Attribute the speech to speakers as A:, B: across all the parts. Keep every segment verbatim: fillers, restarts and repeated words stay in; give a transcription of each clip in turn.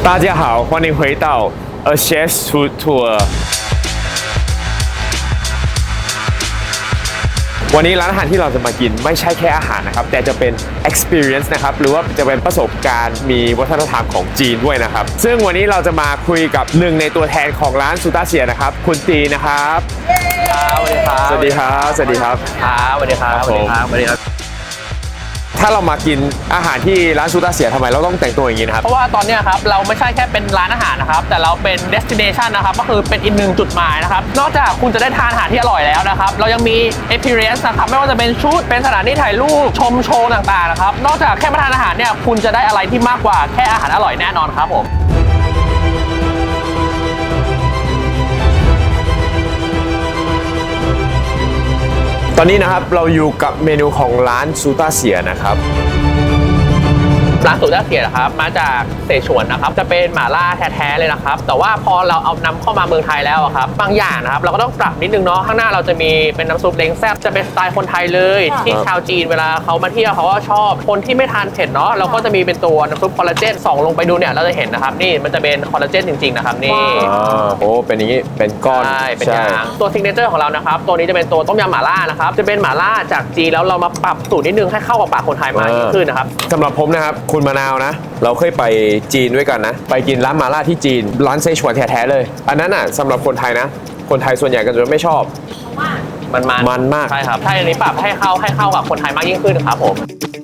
A: 大家好，欢迎回到 A Chef's Food Tour วันนี้ร้านอาหารที่เราจะมากินไม่ใช่แค่อาหารนะครับแต่จะเป็น experience นะครับหรือว่าจะเป็นประสบการณ์มีวัฒนธรรมของจีนด้วยนะครับซึ่งวันนี้เราจะมาคุยกับหนึ่งในตัวแทนของร้านซูต้าเสียนะครับคุณตีนะครับสวัสดีครับสวัสดีครับสวัสดีครับ
B: ครับสวัสดีครับสวัสดีครับ
A: ถ้าเรามากินอาหารที่ร้านซูต้าเสียทำไมเราต้องแต่งตัวอย่างนี้นะครับ
B: เพราะว่าตอนนี้ครับเราไม่ใช่แค่เป็นร้านอาหารนะครับแต่เราเป็น destination นะครับก็คือเป็นอีกหนึ่งจุดหมายนะครับนอกจากคุณจะได้ทานอาหารที่อร่อยแล้วนะครับเรายังมี experience นะครับไม่ว่าจะเป็นชุดเป็นสถานที่ถ่ายรูปชมโชว์ต่างๆนะครับนอกจากแค่มาทานอาหารเนี่ยคุณจะได้อะไรที่มากกว่าแค่อาหารอร่อยแน่นอนครับผม
A: ตอนนี้นะครับเราอยู่กับเมนูของร้านซูต้าเสียนะครับ
B: ร้านสูตรต้าเสียนะครับมาจากเสฉวนนะครับจะเป็นหม่าล่าแท้ๆเลยนะครับแต่ว่าพอเราเอานำเข้ามาเมืองไทยแล้วครับบางอย่างนะครับเราก็ต้องปรับนิดนึงเนาะข้างหน้าเราจะมีเป็นน้ำซุปเล้งแซ่บจะเป็นสไตล์คนไทยเลยที่ชาวจีนเวลาเขามาเที่ยวเขาก็ชอบคนที่ไม่ทานเผ็ดเนาะเราก็จะมีเป็นตัวน้ำซุปคอลลาเจนส่องลงไปดูเนี่ยเราจะเห็นนะครับนี่มันจะเป็นคอลลาเจนจริงๆนะครับนี่
A: โอ้เป็นอย่างนี้เป็นก้อน
B: ใช่เป็นยางตัวซิกเนเจอร์ของเรานะครับตัวนี้จะเป็นตัวต้มยำหม่าล่านะครับจะเป็นหม่าล่าจากจีนแล้วเรามาปรับสูตรนิดนึงให้เข้ากับปากคนไทยมากยิ่งขึ้นนะครับ
A: สำหรับผมนะครับคุณมะนาวนะเราเคยไปจีนด้วยกันนะไปกินร้านมาล่าที่จีนร้านเซชวนแท้ๆเลยอันนั้นอ่ะสำหรับคนไทยนะคนไทยส่วนใหญ่ก็จะไม่ชอบ
B: มันมัน
A: มันมาก
B: ใช่ครับใช่อันนี้ปรับให้เข้าให้เข้ากับคนไทยมากยิ่งขึ้นครับผม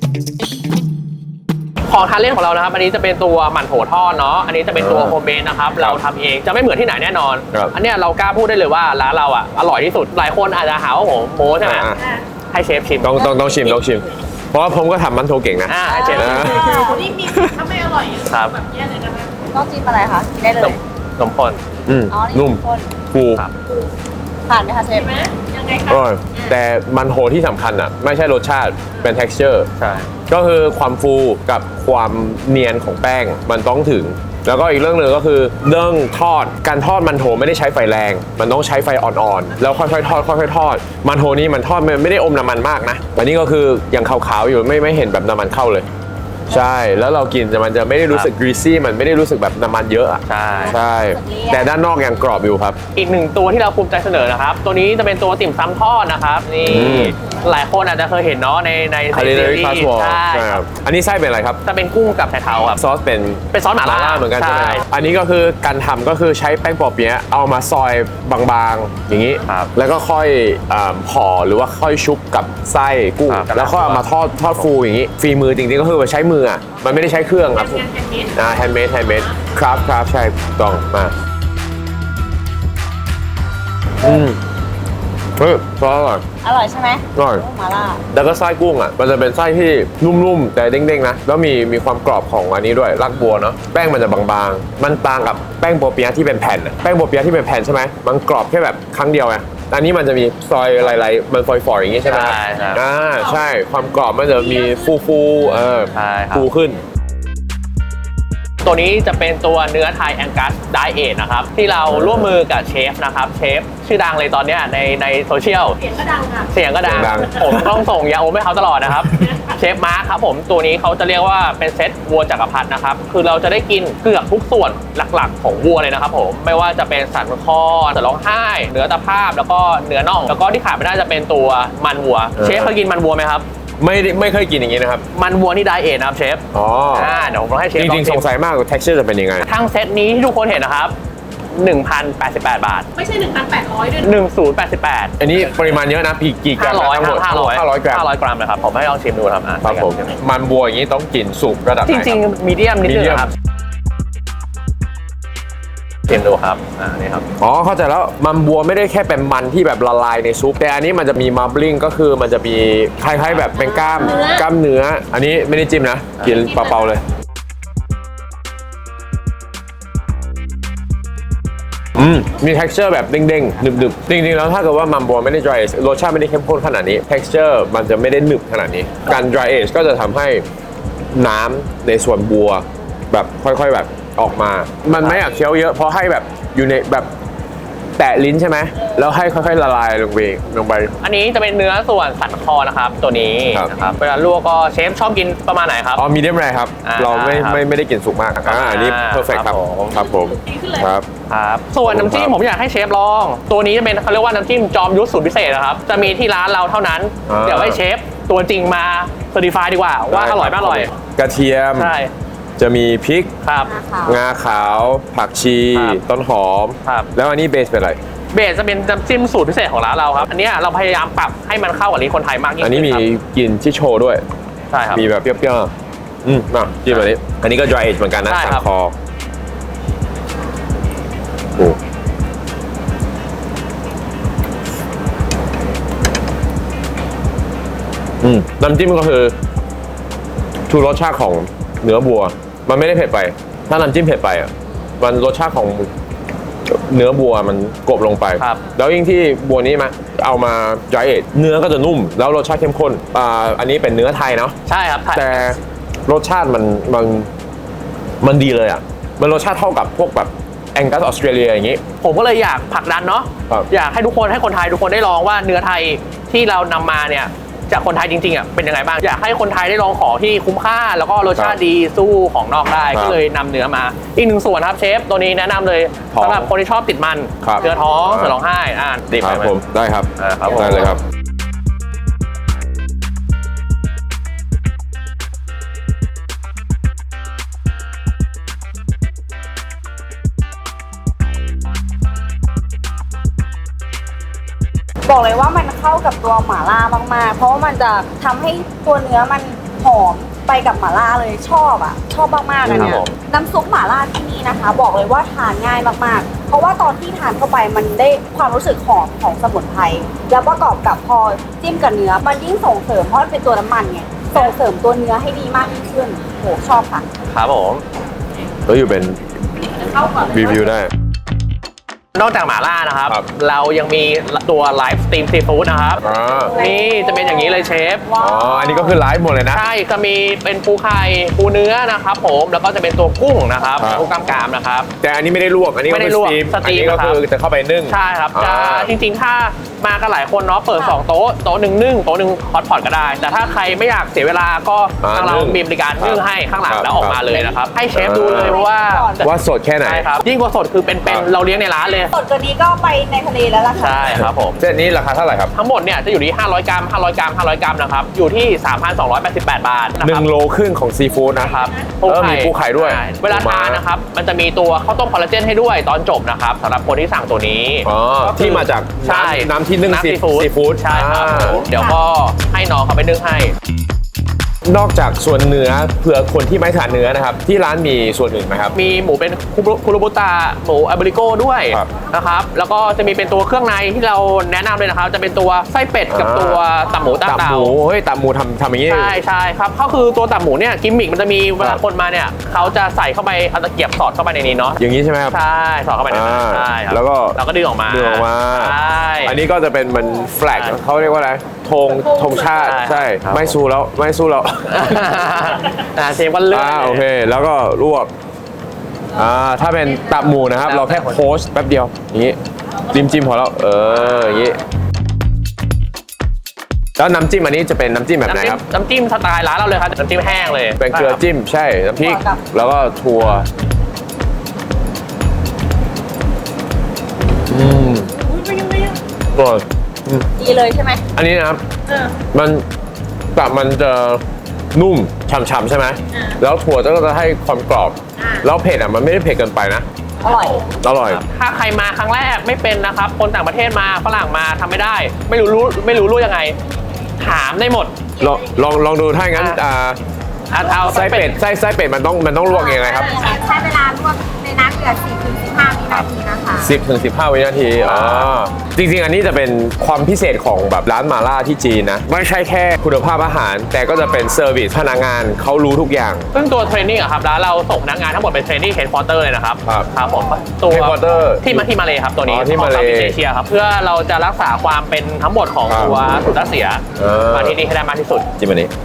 B: ของทานเล่นของเรานะครับอันนี้จะเป็นตัวหมั่นโถทอดเนาะอันนี้จะเป็นตัวโฮมเมดนะครับเราทำเองจะไม่เหมือนที่ไหนแน่นอนอันนี้เรากล้าพูดได้เลยว่าร้านเราอ่ะอร่อยที่สุดหลายคนอาจจะหาว่าผมโม้ใช่ไหมให้เชฟชิม
A: ต้องต้องต้องชิมต้องชิมเพราะว่าผมก็ทำมันโถเก่งนะ
B: ให้เชฟชิม
C: นี่มีถ้าไม่อร่อยแบบแย่เลยนะคะต้องจิ้มอะไรคะได้เลย
B: นมข้น
A: อืมนุ่มฟู
C: ผ่านไหมคะเชฟยังไงคะ
A: อร่อยแต่มันโถที่สำคัญอ่ะไม่ใช่รสชาติเป็น texture
B: ใช่
A: ก็คือความฟูกับความเนียนของแป้งมันต้องถึงแล้วก็อีกเรื่องหนึ่งก็คือเรื่องทอดการทอดมันโถไม่ได้ใช้ไฟแรงมันต้องใช้ไฟอ่อนๆแล้วค่อยๆทอดค่อยๆทอดมันโถนี่มันทอดไม่ได้อมน้ำมันมากนะแต่นี่ก็คือยังขาวๆอยู่ไม่ไม่เห็นแบบน้ำมันเข้าเลยใช่แล้วเรากินมันจะไม่ได้รู้สึก greasy มันไม่ได้รู้สึกแบบน้ำมันเยอะอ่ะ
B: ใช่
A: ใช่แต่ด้านนอกยังกรอบอยู่ครับ
B: อีกหนึ่งตัวที่เราภูมิใจเสนอนะครับตัวนี้จะเป็นตัวติ่มซำทอดนะครับนี่หลายคนอาจจะเคยเห็นเนาะในใน
A: ซีรีส์ใช่ครับอันนี้ไส้เป็นอะไรครับ
B: จะเป็นกุ้งกับไชเท้าครับ
A: ซอสเป็น
B: เป็นซอสหม่าล่า
A: เหมือนกันใช่ไหมอันนี้ก็คือการทำก็คือใช้แป้งปอเปี๊ยะเอามาซอยบางๆอย่างนี้แล้วก็ค่อยห่อหรือว่าค่อยชุบกับไส้กุ้งแล้วก็เอามาทอดทอดฟูอย่างนี้ฝีมือจริงๆก็คือใช้มืออ่ะมันไม่ได้ใช้เครื่องครับอ่าแฮนด์เมดแฮนด์เมดครับครับใช่ต้องมาอืมเฮ้ยซอสอร่อย
C: อร่อยใช่ไหม
A: อร่อย
C: มาล่า
A: แล้วก็ไส้กุ้งอ่ะมันจะเป็นไส้ที่นุ่มๆแต่เด้งๆนะแล้วมีมีความกรอบของอันนี้ด้วยรากบัวเนาะแป้งมันจะบางๆมันต่างกับแป้งโปเปี๊ยะที่เป็นแผ่นแป้งโปเปี๊ยะที่เป็นแผ่นใช่ไหมมันกรอบแค่แบบครั้งเดียวไงอันนี้มันจะมีซอยลายๆมันฟอยๆอย่างงี้ใช่ไหม
B: ใช่ครับ
A: อ่าใช่ความกรอบมันจะมีฟูๆเออฟูขึ้น
B: ตัวนี้จะเป็นตัวเนื้อไทยแองกัสไดเอทนะครับที่เราร่วมมือกับเชฟนะครับเชฟชื่อดังเลยตอนนี้ในในโซเชียล
C: เสียงก็ดังค่ะ
B: เสียงก็ดังผมต้องส่งยาอมให้เขาตลอดนะครับเชฟมาร์คครับผมตัวนี้เขาจะเรียกว่าเป็นเซตวัวจักรพรรดินะครับคือเราจะได้กินเกือบทุกส่วนหลักๆของวัวเลยนะครับผมไม่ว่าจะเป็นสันคอสันร้องไห้เนื้อตะภาพแล้วก็เนื้อน่องแล้วก็ที่ขาดไม่ได้จะเป็นตัวมันวัวเชฟเคยกินมันวัวไหมครับ
A: ไม่ไม่เคยกินอย่างนี้นะครับ
B: มันวัวนี่ไดเอทนะครับเชฟ
A: อ๋อ
B: อ่าเดี๋ยวผมให้เชฟ
A: จริงๆสงสัยมากว่า texture จะเป็นยังไง
B: ทั้งเซตนี้ที่ทุกคนเห็นนะครับ หนึ่งพันแปดสิบแปด บาท
C: ไม่ใช่ หนึ่งพันแปดร้อย ด้วย
B: หนึ่งพันแปดสิบแปด
A: อันนี้ปริมาณเยอะนะพี่กี่กรัม
B: ห้าร้อย
A: ทั้งหมด
B: ห้าร้อย
A: ห้าร้อยกรัม
B: ห้าร้อยกรัมเลยครับผมให้ลองชิมดูครับ
A: ครับผมมันบัวอย่างนี้ต้องกินสุกระดับไหน
B: จริงๆมีเดียมนิดนึงครับชิมดูครับอ่านี่ครับ
A: อ๋อเข้าใจแล้วมันบัวไม่ได้แค่เป็นมันที่แบบละลายในซุปแต่อันนี้มันจะมีมับลิงก็คือมันจะมีคล้ายๆแบบเป็นกล้ามกล้ามเนื้ออันนี้ไม่ได้จิ้มนะกินเปล่าๆเลยอืมมี texture แบบเด้งๆหนึบๆจริงๆแล้วถ้าเกิดว่ามัมบัวไม่ได้ dry age รสชาติไม่ได้เข้มข้นขนาดนี้ texture มันจะไม่ได้หนึบขนาดนี้การ dry age ก็จะทำให้น้ำในส่วนบัวแบบค่อยๆแบบออกมามันไม่อยากเคี้ยวเยอะเพราะให้แบบอยู่ในแบบแแตะลิ้นใช่ไหมแล้วให้ค่อยๆละลายลงไปลงไป
B: อันนี้จะเป็นเนื้อส่วนสันคอนะครับตัวนี้
A: ครับ
B: นะครับเวลาลวกก็เชฟชอบกินประมาณไหนครับ
A: อ๋อมีเดียมแรครับ
B: อ่า
A: เราไม่
B: ครับ
A: ไม่ไม่ได้กินสุกมากอ่าอันนี้
B: อ่า
A: เพอร์เฟกครับ
B: ครับผม
A: ครับผม
C: ดีขึ้นเลย
A: ครับ
B: ครับส่วนน้ำจิ้มผมอยากให้เชฟลอง ตัวนี้จะเป็นเขาเรียกว่าน้ำจิ้มจอมยุทธสูตรพิเศษนะครับจะมีที่ร้านเราเท่านั้น
A: อ่า
B: เดี๋ยวให้เชฟตัวจริงมาเซอร์ติฟายดีกว่าว่าอร่อยไม่อร่อย
A: กระเทียม
B: ใช่
A: จะมีพริก
B: ครับ
A: งาขาว ผักชี
B: ครับ
A: ต้นหอม
B: ครับ
A: แล้วอันนี้เบสเป็นอะไร
B: เบสจะเป็นน้ำจิ้มสูตรพิเศษของร้านเราครับอันเนี้ยเราพยายามปรับให้มันเข้ากับลิ้นคนไทยมากยิ่ง
A: อัน
B: ขึ้
A: นี้
B: น
A: มี
B: ครับ
A: กลิ่นชิโชด้วย
B: ใช่ครับ
A: มีแบบเปรี้ยวๆอืมมาจิ้มอันนี้ อันนี้ก็ dry age เหมือนกันนะ
B: ใช่
A: สั
B: ครับ
A: นคอโอ้อืมน้ำจิ้มก็คือชูรสชาติของเนื้อบัว มันไม่ได้เผ็ดไป ถ้าน้ำจิ้มเผ็ดไปอ่ะมันรสชาติของเนื้อบัวมันกลบลงไป
B: ครับ
A: แล้วยิ่งที่บัวนี้มาเอามา dry age เนื้อก็จะนุ่ม แล้วรสชาติเข้มข้นอ่าอันนี้เป็นเนื้อไทยเนาะ
B: ใช่ครับไทย
A: แต่รสชาติมันมันมันดีเลยอ่ะ มันรสชาติเท่ากับพวกแบบแองกัสออสเตรเลียอย่างนี้
B: ผมก็เลยอยากผลักดันเนาะ
A: ครับ
B: อยากให้ทุกคนให้คนไทยทุกคนได้ลองว่าเนื้อไทยที่เรานำมาเนี่ยจากคนไทยจริงๆอ่ะเป็นยังไงบ้างอยากให้คนไทยได้ลองของที่คุ้มค่า แล้วก็รสชาติดีสู้ของนอกได้
A: ครับ
B: ก็เลยนำเนื้อมา อีกหนึ่งส่วนครับเชฟตัวนี้แนะนำเลย
A: ท้อง
B: สำหรับคนที่ชอบติดมัน
A: ครับ
B: เนื้อท้อง
A: อ่า
B: เสือร้องไห้อ่าดิบ
A: ครับ
B: ไป
A: ผมได้ครับ
B: อ่าครับผม
A: ได้เลยครับ
C: บอกเลยว่ามันเข้ากับตัวหม่าล่ามากๆ เพราะว่ามันจะทำให้ตัวเนื้อมันหอมไปกับหม่าล่าเลยชอบอ่ะ ชอบมากๆอันเนี้
B: ครั
C: ย
B: บผม
C: น้ำซุปหม่าล่าที่นี่นะคะ บอกเลยว่าทานง่ายมากๆ เพราะว่าตอนที่ทานเข้าไปมันได้ความรู้สึกหอมของสมุนไพรแล้วประกอบกับพอจิ้มกับเนื้อมันยิ่งส่งเสริมเพราะมันเป็นตัวน้ำมันไงส่งเสริมตัวเนื้อให้ดีมากยิ่งขึ้นโหชอบค่ะ
B: ครับผม
A: แล้วอยู่เป็น
C: เข้ากับ
A: รีวิวได้
B: นอกจากหม่าล่านะครับ
A: ครับ
B: เรายังมีตัวไลฟ์สตรีมซีฟู้ดนะครับ
A: อ่า
B: นี่จะเป็นอย่างนี้เลยเชฟ
A: อ๋อ อันนี้ก็คือไลฟ์หมดเลยนะ
B: ใช่ก็มีเป็นปูไข่ปูเนื้อนะครับผมแล้วก็จะเป็นตัวกุ้งนะครับ
A: ครับ
B: กุ้งกล้ามกรามนะครับ
A: แต่อันนี้ไม่ได้ลวก อันนี้ก็
B: ไม่ได้
A: คือ
B: ลวก
A: สตรีม
B: สต
A: อั
B: รี
A: น
B: ม
A: นี้ก็คือจะเข้าไปนึ่ง
B: ใช่ครับจะ
A: อ่า
B: จริงๆ ถ้ามากันหลายคนเนาะเปิดสองโต๊ะโต๊ะหนึ่งนึ่งโต๊ะหนึ่งฮอตพอตก็ได้ แต่ถ้าใครไม่อยากเสียเวลาก็
A: อ่า
B: ทางเรา
A: นึ่ง
B: มีบริการนึ่งให้ข้างหลัง
A: ครับ
B: แล้วออกมาเลยนะครับให้เชฟดูเลย
A: อ่า
B: ว่า
A: ว่าสดแค่ไหน
B: ใช่ครับยิ่งกว่าสดคือเป็น
A: ครั
B: เป็น
A: บ
B: เราเลี้ยงในร้านเลย
C: สดกว่านี้ก็ไปในทะเลแล้วล่ะค่ะ
B: ใช่ครับผม
A: เซตนี้ราคาเท่าไหร่ครับ
B: ทั้งหมดเนี่ยจะอยู่ที่ห้าร้อยกรัมห้าร้อยกรัมห้าร้อยกรัมนะครับอยู่ที่ สามพันสองร้อยแปดสิบแปด บาทนะ
A: ห
B: ค
A: นึ่
B: รับ
A: งโลครึ่งของซีฟู้ดนะ
B: นะครับ
A: เออมีปูไข่ด้วย
B: ใช่เวลาทานนะครับ มันจะมีตัวข้าวต้มคอลลาเจนให้ด้วยตอนจบนะครับสำหรับคนที่สั่งตัวนี้
A: อ๋อ
B: ก็คือ
A: ที่มาจาก
B: ใช่
A: น้ำน้ำที่นึ่งซี
B: ซีฟู้ด
A: ซีฟู้ด
B: ใช่ครับ
A: อ่า
B: ผมเดี๋ยวก็ให้น้องเขาไปนึ่งให้
A: นอกจากส่วนเนื้อเผื่อคนที่ไม่ทานเนื้อนะครับ ที่ร้านมีส่วนอื่นไหมครับ
B: มีหมูเป็นคุโรบุตะหมูอาบริโก้ด้วย
A: ครับ
B: นะครับ แล้วก็จะมีเป็นตัวเครื่องในที่เราแนะนำเลยนะครับ จะเป็นตัวไส้เป็ดกับตัวตับหมูตับ
A: ตับ
B: เต่า
A: หมูเฮ้ยตับหมูทำทำอย่างนี้
B: ใช่ใช่ครับก็คือตัวตับหมูเนี่ยกิมมิกมันจะมีเวลาคนมาเนี่ยเขาจะใส่เข้าไปเอาตะเกียบสอดเข้าไปในนี้เนาะ
A: อย่างนี้ใช่ไหมครับ
B: ใช่สอดเข้าไปในนั้น
A: อ่า
B: ใช่ครับ
A: แล้วก็
B: เราก็ดึงออกมา
A: ดึงออกมา
B: ใช่
A: อันนี้ก็จะเป็นมันแฟลก
B: ใช่
A: เขาเรียกว่าอะไรธงธงชาติ
B: ใช่
A: ใช่
B: ครับ
A: ไม่สู้แล้วไม่สู้แล้ว
B: อ่าเชฟก็เลือก
A: อ่าโอเค แล้วก็ลวกอ่าถ้าเป็นตับหมูนะครับ เราแค่โพสต์แป๊บเดียวอย่างนี้จิ้มจิ้มพอแล้วเอออย่างนี้แล้วน้ำจิ้มอันนี้จะเป็นน้ำจิ้มแบบไหน
B: น้ำจิ้
A: ค
B: ม
A: รับ
B: น้ำจิ้มสไตล์ร้านเราเลยครับน้ำจิ้มแห้งเลย
A: เป็นเกลือจิ้มใช่น้ำพริก
C: ครับ
A: แล้วก็ถั่วอืม
C: อุ๊ยเป็นยังไงอะ
A: อร่อย
C: ดีเลยใช่ไหม
A: อันนี้นะครับ
C: เออ
A: มันตับมันจะนุ่มฉ่ำๆใช่ไหม
C: อ่า
A: แล้วถั่วก็จะให้ความกรอบ
C: อ่า
A: แล้วเผ็ดอ่ะมันไม่ได้เผ็ดเกินไปนะ
C: อร่อย
A: อร่อย
B: ถ้าใครมาครั้งแรกไม่เป็นนะครับ คนต่างประเทศมาฝรั่งมาทำไม่ได้ ไม่รู้รู้ไม่รู้รู้ยังไง ถามได้หมด
A: ลองลองลองดูถ้าอย่างนั้น
B: อ่า
A: อ่า
B: อ่ะเอา
A: ไส้เป็ดไส้ไส้เป็ดมันต้องมันต้องลวกยังไงครับ
C: ใช้เวลาลวกในน้ำเดือดสี่ถึงสิบห้าวินาทีนะคะ
A: สิบถึงสิบห้าวินาทีอ๋อจริงๆ อันนี้จะเป็นความพิเศษของแบบร้านมาล่าที่จีนนะ ไม่ใช่แค่คุณภาพอาหาร แต่ก็จะเป็นเซอร์วิสพนักงานเขารู้ทุกอย่าง
B: ซึ่งตัวเทรนนิ่งอะครับร้านเราส่งพนักงานทั้งหมดเป็นเทรนนิ่งเฮดควอเตอร์เลยนะครับ
A: ครับ
B: ครับผมตัว
A: Headquarter
B: ที่มาที่มาเลยครับตัวนี้
A: อ๋อที่
B: ของ
A: มาเล
B: เซาท์อีสเอเชียครับเพื่อเราจะรักษาความเป็นทั้งหมดของ
A: ครับ
B: ตัวสูตรรัสเซีย
A: เออ
B: มาที่นี่ให้ได้มากที่สุด
A: จิ้มอันนี้
B: ใช่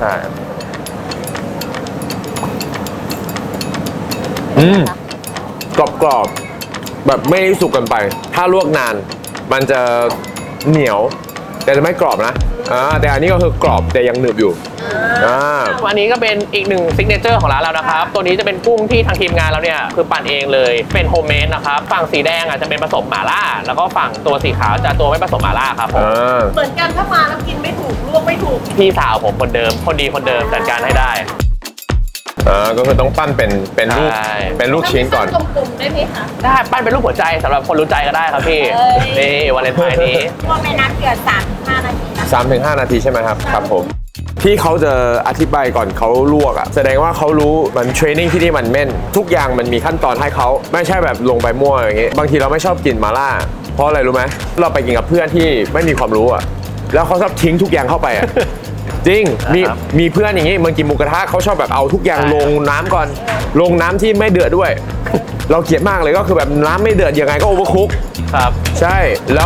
A: อืมกรอบกรอบแบบไม่สุกเกินไป ถ้าลวกนานมันจะเหนียว แต่จะไม่กรอบนะอ่าแต่อันนี้ก็คือกรอบแต่ยังหนึบอยู่อ่า
B: อันนี้ก็เป็นอีกหนึ่งซิกเนเจอร์ของร้านเรานะครับ ตัวนี้จะเป็นกุ้งที่ทางทีมงานเราเนี่ยคือปั่นเองเลยเป็นโฮมเมดนะครับฝั่งสีแดงอ่ะจะเป็นผสมหม่าล่าแล้วก็ฝั่งตัวสีขาวจะตัวไม่ผสมหม่าล่าครับผม
A: อ่า
D: เหมือนกันถ้ามาแล้วกินไม่ถูกลวกไม่ถูก
B: พี่สาวผมคนเดิมคนดีคนเดิมจัดการให้ได้
A: อ่าก็คือต้องปั้นเป็นเป็นลูก
B: ใช่
A: เป็นลูกชิ้นก่อน
D: กลมๆได้ไหมคะ
B: ได้ปั้นเป็นรูปหัวใจสำหรับคนรู้ใจก็ได้ครับพี่
C: เอ้ย
B: นี่วาเลนไทน์นี้
C: ลวกในน้ำเดือดสามถึงห้านาทีนะ
A: สามถึงห้านาทีใช่ไหมครับครับผมที่เขาจะอธิบายก่อนเขาลวกอ่ะแสดงว่าเขารู้มันเทรนนิ่งที่นี่มันแม่น ทุกอย่างมันมีขั้นตอนให้เขาไม่ใช่แบบลงไปมั่วอย่างงี้บางทีเราไม่ชอบกินมาล่าเพราะอะไรรู้ไหมเราไปกินกับเพื่อนที่ไม่มีความรู้อ่ะแล้วเขาชอบทิ้งทุกอย่างเข้าไปอ่ะ จริงมี
B: ครับ
A: มีเพื่อนอย่างงี้มันกินหมูกระทะเขาชอบแบบเอาทุกอย่าง
B: ใช่
A: ลงน้ำก่อน ลงน้ำที่ไม่เดือดด้วย เราเกลียดมากเลยก็คือแบบน้ำไม่เดือดยังไงก็โอเวอร์คุก
B: ครับ
A: ใช่แล้ว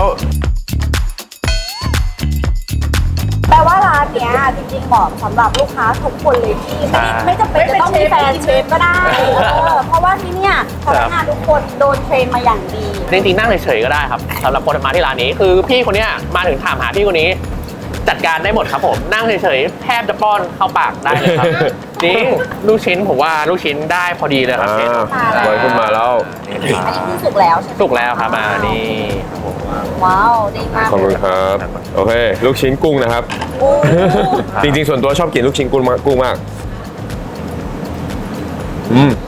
C: แปลว่าร้านเนี้ยจริงๆเหมาะสำหรับลูกค้าทุกคนเลยที่ไม่ได้ไม่จำเป็นจะต้องมีแฟนเชฟก็ได้เออเพราะว่าที่เนี่ยพนักงานทุกคนโดนเทรนมาอย่างดี
B: จริงๆนั่งเฉยๆก็ได้ครับสำหรับคนมาที่ร้านนี้คือพี่คนเนี้ยมาถึงถามหาพี่คนนี้ จัดการได้หมดครับผมนั่งเฉยๆแทบจะป้อนเข้าปากได้เลยครับ จริงลูกชิ้นผมว่าลูกชิ้นได้พอดีเลยครับเชฟ
A: อ่าลอยขึ้นมาแล้ว
C: อันนี้คือสุกแล้วใช่ไหม
B: สุกแล้วครับมานี่ครับผม
C: ว้าวดีมาก
A: ขอบคุณครับ โอเค ลูกชิ้นกุ้งนะครับ
C: โอ้
A: จริงๆ ส่วนตัวชอบกินลูกชิ้นกุ้งมากกุ้งมาก อืม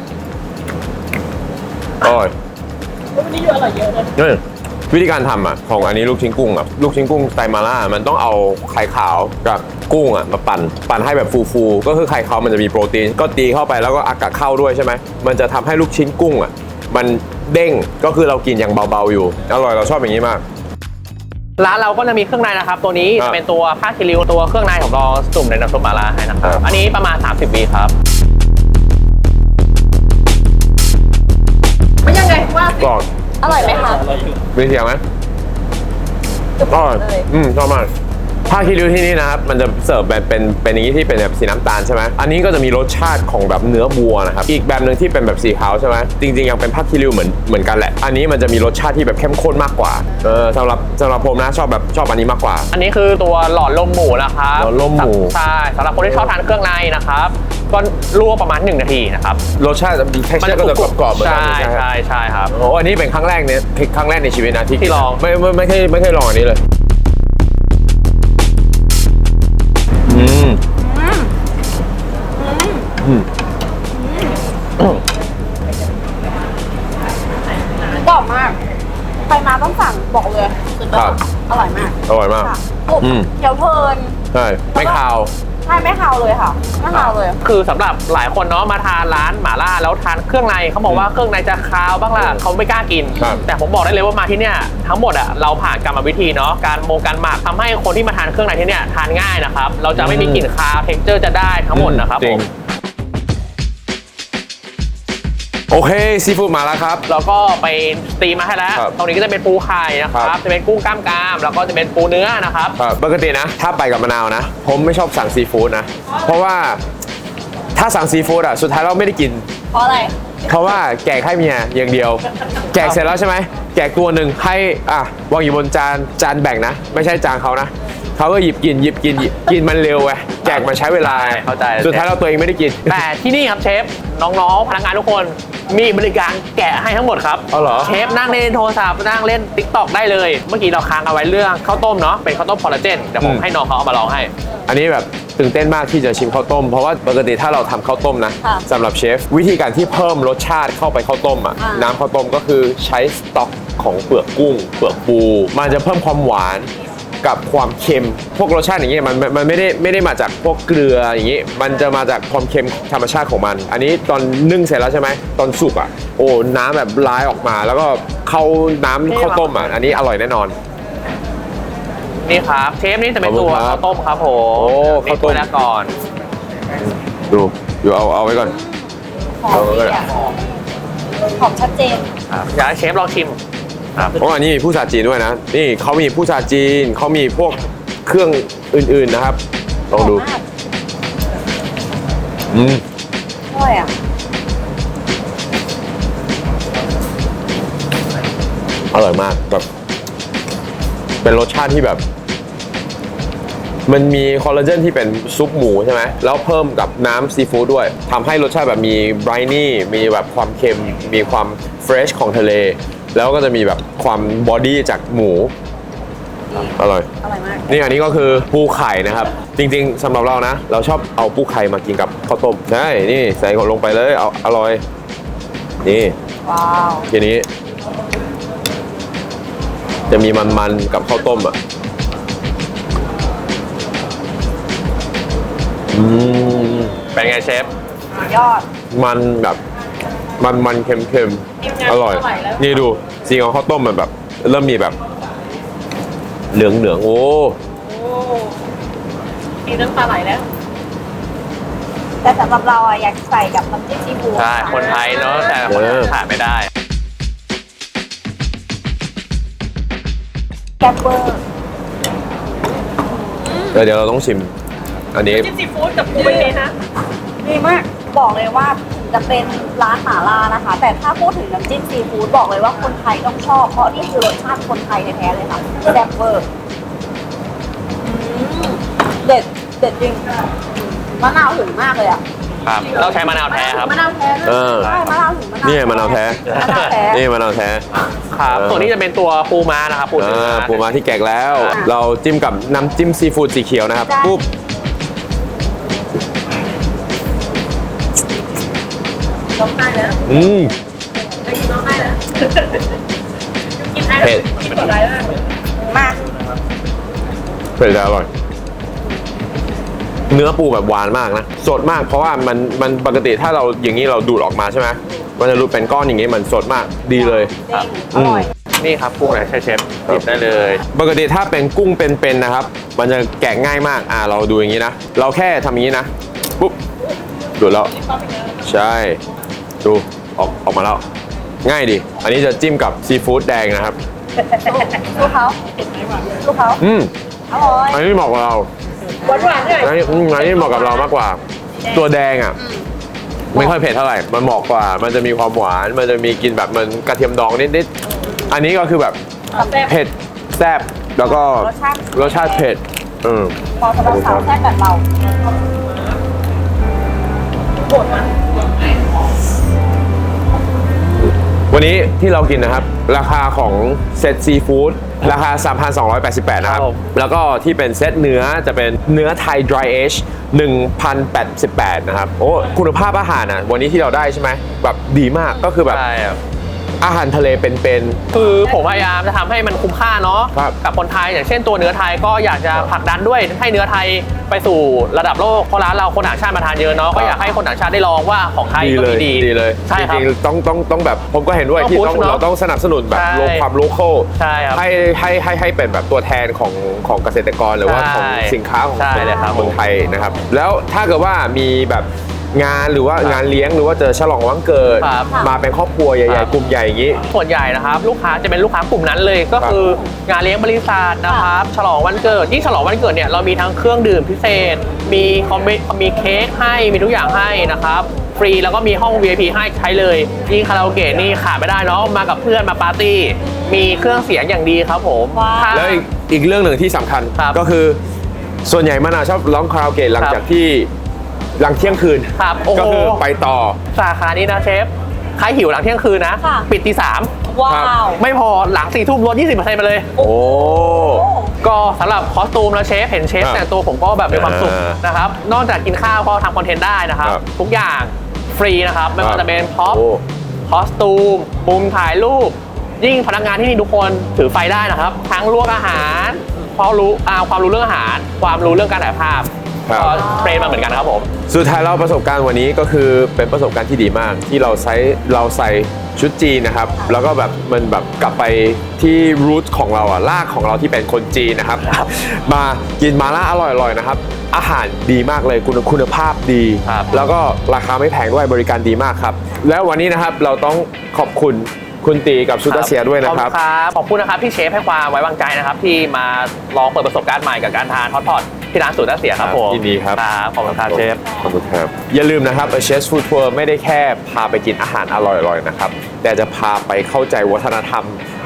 A: อร่อย
D: วันนี้อยู่อร่อยเยอะเลย
A: นี่วิธีการทำอ่ะของอันนี้ลูกชิ้นกุ้งอ่ะลูกชิ้นกุ้งสไตล์มาล่ามันต้องเอาไข่ขาวกับกุ้งอ่ะมาปั่นปั่นให้แบบฟูๆก็คือไข่ขาวมันจะมีโปรตีนก็ตีเข้าไปแล้วก็อากาศเข้าด้วยใช่ไหมมันจะทำให้ลูกชิ้นกุ้งอ่ะมันเด้งก็คือเรากินอย่างเบาๆอยู่อร่อยเราชอบอย่างนี้มาก
B: ร้านเราก็จะมีเครื่องในนะครับ ตัวนี้
A: ครับ
B: จะเป็นตัวผ้าคิริวตัวเครื่องในของเราจุ่มในน้ำซุปหม่าล่าให้นะครับ
A: ครับ
B: อันนี้ประมาณสามสิบวิครับ
D: ไม่ยังไงว่าสิ
A: กรอบ
C: อร่อยไหมคะ
A: มีเสียงไหม
C: จุก
A: อร่อย
C: เลย
A: อืมชอบมากผ้าคีริ้วที่นี่นะครับมันจะเสิร์ฟแบบเป็นเป็นอย่างนี้ที่เป็นแบบสีน้ำตาลใช่ไหมอันนี้ก็จะมีรสชาติของแบบเนื้อวัวนะครับอีกแบบหนึ่งที่เป็นแบบสีขาวใช่ไหมจริงๆยังเป็นผ้าคีริ้วเหมือนเหมือนกันแหละอันนี้มันจะมีรสชาติที่แบบเข้มข้นมากกว่าเออสำหรับสำหรับผมนะชอบแบบชอบอันนี้มากกว่า
B: อันนี้คือตัวหลอดลมหมูนะครับ
A: หลอดลมหมู
B: ใช่สำหรับคนที่ชอบทานเครื่องในนะครับก็ลวกประมาณหนึ่งนาทีนะครับ
A: รสชาติมีแค่ก็จะกรอบๆเหมือนกัน
B: ใช่
A: ไหม
B: ใช่ใช่ครับ
A: โอ้อันนี้เป็นครั้งแรกเนี่ยครั้งแรกในชีวิตนะที่
B: ที่ลอง
A: ไม่ไม่ไม่เคยไม่เคยลองอันนี้เลยอืมอืม
C: กรอบมากใครมาต้องสั่งบอกเลยสุดยอดอร่อยมาก
A: อร่อยมาก
C: ค่ะกรุบ
A: อืม
C: เคี้ยวเพลิน
A: ใช่ไม่คาว
C: ใช่ไม่คาวเลยค่ะไม่คาวเลย
B: คือสำหรับหลายคนเนาะมาทานร้านหม่าล่าแล้วทานเครื่องในเขาบอกว่าเครื่องในจะคาวบ้างล่ะเขาไม่กล้ากิน
A: ครับ
B: แต่ผมบอกได้เลยว่ามาที่เนี่ยทั้งหมดอ่ะเราผ่านกรรมวิธีเนาะการโมการหมักทำให้คนที่มาทานเครื่องในที่เนี่ยทานง่ายนะครับเราจะไม่มีกลิ่นคาวเท็กเจอร์จะได้ทั้งหมดนะครับ
A: จ
B: ผ
A: ริง
B: ม
A: โอเคซีฟู้ดมาแล้วครับ
B: แล้วก็ไปตีมาให้แล้ว
A: ครับ
B: ตรงนี้ก็จะเป็นปูไข่นะค
A: ครั
B: รับบ จะเป็นกุ้งกล้ามกรามแล้วก็จะเป็นปูเนื้อนะครับ
A: ครับปกตินะ ถ้าไปกับมะนาวนะ ผมไม่ชอบสั่งซีฟู้ดนะ เพราะว่าถ้าสั่งซีฟู้ดอ่ะสุดท้ายเราไม่ได้กิน
C: เพราะอะไร
A: เพราะว่าแจกให้เมียอย่างเดียว แจกเสร็จแล้วใช่ไหมแจกตัวหนึ่งให้อ่ะวางอยู่บนจานจานแบ่งนะ ไม่ใช่จานเขานะเขาก็หยิบกินหยิบกินหยิบกินมันเร็วไงแจกมันใช้เวลา
B: เข้าใจ
A: สุดท้ายเราตัวเองไม่ได้กิน
B: แต่ที่นี่ครับเชฟน้องๆพนักงานทุกคนมีบริการแกะให้ทั้งหมดครับ
A: อ๋อเหรอ
B: เชฟนั่งเล่นโทรศัพท์นั่งเล่นติ๊กต็อกได้เลย เมื่อกี้เราค้างเอาไว้เรื่องข้าวต้มเนาะเป็นข้าวต้มคอลลาเจนเดี๋ยวผมให้น้องเขาเอามาลองให้
A: อันนี้แบบตื่นเต้นมากที่จะชิมข้าวต้ม เพราะว่าปกติถ้าเราทำข้าวต้มนะ
C: ค่ะ
A: สำหรับเชฟวิธีการที่เพิ่มรสชาติเข้าไปข้าวต้มอ่ะ
C: อ่า
A: น้ำข้าวต้มก็คือใช้สต๊อกของเปลือกกุ้ง เปลือกปู มันจะเพิ่มความหวานกับความเค็ม พวกรสชาติอย่างเงี้ยมันมันมันไม่ได้ไม่ได้มาจากพวกเกลืออย่างงี้ มันจะมาจากความเค็มธรรมชาติของมัน อันนี้ตอนนึ่งเสร็จแล้วใช่ไหมตอนสุกอ่ะโอ้น้ำแบบร้ายออกมา แล้วก็เข้าน้ำข้าวต้มอ่ะอันนี้อร่อยแน่นอน
B: นี่ครับเชฟนี่จะเป็นตัว
A: ขอบคุณครับ
B: ข้าวต้มครับผม
A: โอ้ข้าวต้ม
B: นี่ถ้ยละก่อน
A: ดูอยู่เอาเอาไว้ก่อน
C: หอมดีอ่ะหอมชัดเจน
B: ครับอยากให้เชฟลองชิมครับ
A: เพราะอันนี้มีผู้ชาจีนด้วยนะ นี่เขามีผู้ชาจีนเขามีพวกเครื่องอื่นๆนะครับ ลองดู
C: หอมมาก
A: อืม
C: อร่อยอ่ะ
A: อร่อยมากแบบเป็นรสชาติที่แบบ มันมีคอลลาเจนที่เป็นซุปหมูใช่ไหมแล้วเพิ่มกับน้ำซีฟู้ดด้วยทำให้รสชาติแบบมีไบรนี่มีแบบความเค็มมีความเฟรชของทะเล แล้วก็จะมีแบบความบอดี้จากหมูอร่อย
C: อร่อยมาก
A: นี่อันนี้ก็คือปูไข่นะครับ จริงๆสำหรับเรานะ เราชอบเอาปูไข่มากินกับข้าวต้มใช่นี่ใส่ลงไปเลยเอาอร่อยนี่
C: ว้าว
A: ทีนี้ จะมีมันๆกับข้าวต้มอ่ะอืม
B: เป็นไงเชฟ
C: สุดยอด
A: มันแบบมันมันๆเค็มๆอร่อย นี่ดูสีของข้าวต้มมันแบบ เริ่มมีแบบ เหลืองเหลืองๆโอ้
D: โอ้มีน้ำตาไหลแล้ว
C: แต่สำหรับเราอะอยากใส่กับน้ำจิ้มซีฟู้ด
B: ใช่ คนไทยเนาะแต่คนขาดไม่ได้
C: แกปเบอร์
A: เดี๋ยวเราต้องชิม อันนี้
D: จิ้มซีฟู้ดกับปูเป็นไงนะ
C: ดีมากบอกเลยว่าถึงจะเป็นร้านหม่าล่านะคะ แต่ถ้าพูดถึงน้ำจิ้มซีฟู้ดบอกเลยว่าคนไทยต้องชอบเพราะนี่คือรสชาติคนไทยแท้ๆเลยค่ะแซ่บเวอร์อืมเด็ดเด็ดจริงมะนาวถึงมากเลยอ่ะ
B: ครับต้องใช้มะนาวแท้ครับ
C: มะนาวแท้ด้วย
A: เออ
C: ใช่มะนาวถึงมะนาว
A: นี่มะนาวแท้
C: มะนาวแท้
A: นี่มะนาวแท้
B: ครับ
A: เออ
B: ส่วนนี้จะเป็นตัวปูม้านะครับปู
A: อ่
B: เนื้อา
A: ปูม้าที่แกะแล้ว
C: อ่า
A: เราจิ้มกับน้ำจิ้มซีฟู้ดสีเขียวนะครับ
C: ได้
A: ปุ๊บ
D: ร้องไห้แล้ว
A: อืม
D: ได้ยินร้องไห้แล้วกินไอ้
A: เผ็ด
D: กินหมดไรมากเลย
C: มาก
A: เผ็ดแต่อร่อย เนื้อปูแบบหวานมากนะ สดมากเพราะว่ามันมันปกติถ้าเราอย่างนี้เราดูดออกมาใช่ไหมมันจะรูดเป็นก้อนอย่างนี้มันสดมากดีเลย
C: เด้งอร่อย
B: นี่ครับกุ้งไหนใช่เชฟหยิบได้เลย
A: ปกติถ้าเป็นกุ้งเป็นๆนะครับ มันจะแกะง่ายมาก อ่าเราดูอย่างนี้นะ เราแค่ทำอย่างนี้นะ ปุ๊บ ดูดแล้ว ใช่ ดู ออกออกมาแล้ว ง่ายดิ อันนี้จะจิ้มกับซีฟู้ดแดงนะครับ
C: ลูกเขาลูกเขา
A: อืม
C: อร่อย
A: อันนี้เหมาะกับเรา
D: หวานหวานๆด้วย
A: อันนี้อืมอันนี้เหมาะกับเรามากกว่า ตัวแดงอ่ะ ไม่ค่อยเผ็ดเท่าไหร่ มันเหมาะกว่า มันจะมีความหวาน มันจะมีกลินแบบมันกระเทียมดองนิดๆ อันนี้ก็คือแบบ
D: แซ่บ
A: เผ็ดแซ่บแล้วก็
C: รสชาติ
A: รสชาติเผ็ดอืม
C: พอสำหรับสาวแซ่บแบบเรา
D: โหดนะ
A: วันนี้ที่เรากินนะครับ ราคาของเซตซีฟู้ดราคา สามพันสองร้อยแปดสิบแปด นะครับ
B: ครับผม
A: แล้วก็ที่เป็นเซตเนื้อจะเป็นเนื้อไทย dry age หนึ่งพันแปดสิบแปด นะครับ โอ้คุณภาพอาหารอ่ะวันนี้ที่เราได้ใช่ไหมแบบดีมากก็คือแบบ
B: ใช่ครับ
A: อาหารทะเลเป็น
B: คือผมพยายามจะทำให้มันคุ้มค่าเนาะ
A: ครับ
B: กับคนไทยอย่างเช่นตัวเนื้อไทยก็อยากจะผลักดันด้วยให้เนื้อไทยไปสู่ระดับโลกเพราะร้านเราคนต่างชาติมาทานเยอะเนาะก็อยากให้คนต่างชาติได้ลองว่าของไท
A: ๆ
B: ย
A: ดี
B: ก็
A: เลย
B: มีดี
A: ดีเลย
B: ใช่ครับ
A: จริงๆต้องต้องต้องแบบผมก็เห็นด้วย
B: ต้อง
A: ที่
B: push
A: ต้อง
B: เนอะ
A: เราต้องสนับสนุนแบบ
B: ใช่
A: โลความโลคอล
B: ใช่ครับ
A: ให้ให้ให้ให้เป็นแบบตัวแทนของของเกษตรกรหรือว่า
B: ใช่
A: ของสินค้าของ
B: ใช่เลยครับ
A: เมืองไทยนะครับ แล้วถ้าเกิดว่ามีแบบงานหรือว่า
B: ครับ
A: งานเลี้ยงหรือว่าเจอฉลองวันเกิด
B: ครับ
A: มาเป็นครอบครัวให
B: ครั
A: ญ่
B: บ
A: ๆกลุ่มใหญ่อย่างนี้
B: ส่วนใหญ่นะครับลูกค้าจะเป็นลูกค้ากลุ่มนั้นเลยก็คืองานเลี้ยงบริษัทนะครับฉลองวันเกิดยิ่งฉลองวันเกิดเนี่ยเรามีทั้งเครื่องดื่มพิเศษ มีคอมเมมีเค้กให้มีทุกอย่างให้นะครับฟรีแล้วก็มีห้อง วี ไอ พี ให้ใช้เลยยิ่งคาราโอเกะนี่ขาดไม่ได้เนาะมากับเพื่อนมาปาร์ตี้มีเครื่องเสียงอย่างดีครับผม
C: ว้าว
B: ถ้า
A: แล้วอีกอีกเรื่องหนึ่งที่สำคัญ
B: ครับ
A: ก็คือส่วนใหญ่มะนาวชอบร้องคาราโอเกะหลัง
B: ครับ
A: จากที่หลังเที่ยงคืน
B: ครับโอ้โห
A: ก็คือไปต่อ
B: สาขานี้นะเชฟใครหิวหลังเที่ยงคืนนะ
C: ค่ะ
B: ปิดตีสาม
C: ว้าว
B: ไม่พอหลังสี่ทุ่มลดยี่สิบเปอร์เซ็นต์ไปเลย
A: โอ้
B: ก็สำหรับคอสตูมแล้วเชฟเห็นเชฟ
A: ครับ
B: แต่งตัวผมก็แบบมีความสุข
A: อ่าน
B: นะครับ นอกจากกินข้าวก็ทำคอนเทนต์ได้นะครับ
A: ครับ
B: ทุกอย่างฟรีนะครับ ไม่ว่าจะเป็นพ็อป
A: โอ้
B: คอสตูมมุมถ่ายรูป ยิ่งพนักงานที่นี่ทุกคนถือไฟได้นะครับ ทั้งลวกอาหารความรู้อ่าความรู้เรื่องอาหาร ความรู้เรื่องการถ่ายภาพ
A: ครับ
B: ก็เทรนมาเหมือนกันครับผม
A: สุดท้ายเราประสบการณ์วันนี้ก็คือเป็นประสบการณ์ที่ดีมาก ที่เราใช้เราใส่ชุดจีนนะครับ แล้วก็แบบมันแบบกลับไปที่รูทของเราอะรากของเราที่เป็นคนจีนนะครับ มากินมาล่าอร่อยๆนะครับ อาหารดีมากเลยคุณคุณภาพดี
B: ครับ
A: แล้วก็ราคาไม่แพงด้วยบริการดีมากครับ แล้ววันนี้นะครับเราต้องขอบคุณคุณตีกับซูตาเซียด้วยนะครับ
B: ขอบคุณครับขอบคุณนะครับที่เชฟให้ความไว้วางใจนะครับ ที่มาลองเปิดประสบการณ์ใหม่กับการทานฮอตพอตที่ร้านสูตรน้าเสียครับผม
A: ยินดีครับ
B: ครับขอบคุณครับเชฟ
A: ขอบคุณครับ อย่าลืมนะครับ A Chef's Food Tour ไม่ได้แค่พาไปกินอาหารอร่อยๆนะครับ แต่จะพาไปเข้าใจวัฒนธรรม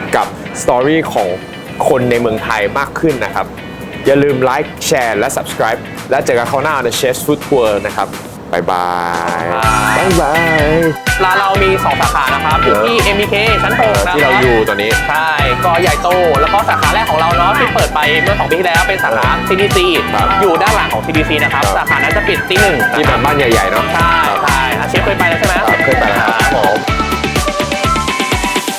A: กับสตอรี่ของคนในเมืองไทยมากขึ้นนะครับ อย่าลืมไลค์แชร์และ subscribe และเจอกันคราวหน้าใน Chef's Food Tour นะครับบ๊ายบายบ๊ายบาย
B: ร้านเรามีสองสาขานะครับอยู่ที่ เอ็ม บี เค ชั้นหกนะครับ
A: ที่เราอยู่ตอนนี้
B: ใช่ก็ใหญ่โตแล้วก็สาขาแรกของเราเนาะที่เปิดไปเมื่อสองปีที่แล้วเป็นสาขา ซี ดี ซี
A: ครับ
B: อยู่ด้านหลังของ ซี ดี ซี นะครับ
A: ครับ
B: สาขานั้นจะปิดตีหนึ่ง
A: ที่แบบบ้านใหญ่ๆเนาะ
B: ใช่ใช่อาเชฟเคยไปแล้วใช่ไหม
A: ครับเคยไปแล้ว
B: ครับผม